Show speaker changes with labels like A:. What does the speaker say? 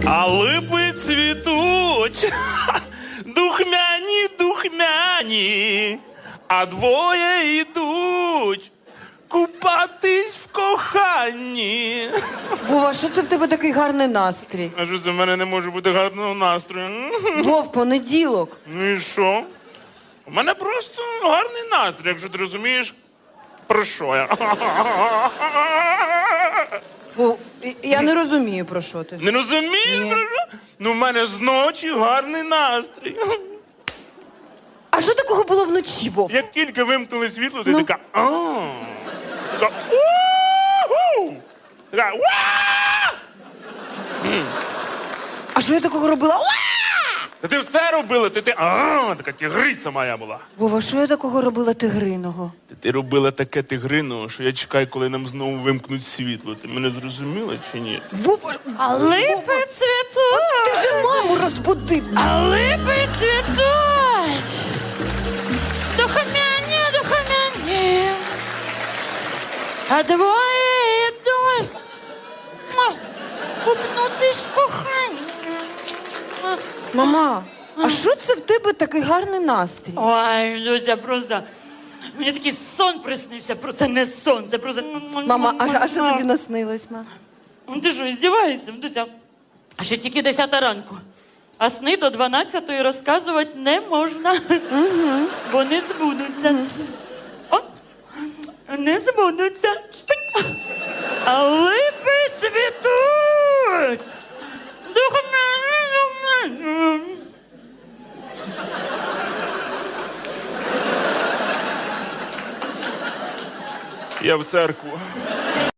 A: А липи цвітуть, духмяні, духмяні, а двоє йдуть купатись в коханні.
B: Вова, що це в тебе такий гарний настрій?
A: А що це в мене не може бути гарного настрою?
B: Вов, понеділок.
A: Ну і що? У мене просто гарний настрій, якщо ти розумієш, про що я.
B: Вов, я не розумію, про що ти.
A: Не розумієш,
B: Ні.
A: про що? Ну, в мене зночі гарний настрій.
B: А що такого було вночі, Вов?
A: Як тільки вимкнули світло, ти
B: Ну.
A: така, така, у-ху! Така, уа!
B: А що я такого робила? Уа!
A: Та ти все робила, така тигриця моя була.
B: Вова, що я такого робила тигриного?
A: Ти робила таке тигрино, що я чекаю, коли нам знову вимкнуть світло. Ти мене зрозуміла чи ні?
B: Вова,
C: А липи цвітуть.
B: ти вже маму розбудив.
C: А липи цвітуть. Духомяні, духомяні. А двоє йдуть. Купнутись в коханні.
B: Мама, а що це в тебе такий гарний настрій?
C: Ой, Люся, просто... Мені такий сон приснився, просто не сон, це просто...
B: Мама, а що тобі наснилось, ма?
C: Ну, ти що, здіваєшся, Дуся? А ще тільки 10 ранку. А сни до 12-ї розказувати не можна. Бо не збудуться. О, не збудуться. Шпик. А липи цвітуть. Духмяні, духмяні.
A: Я в церкву.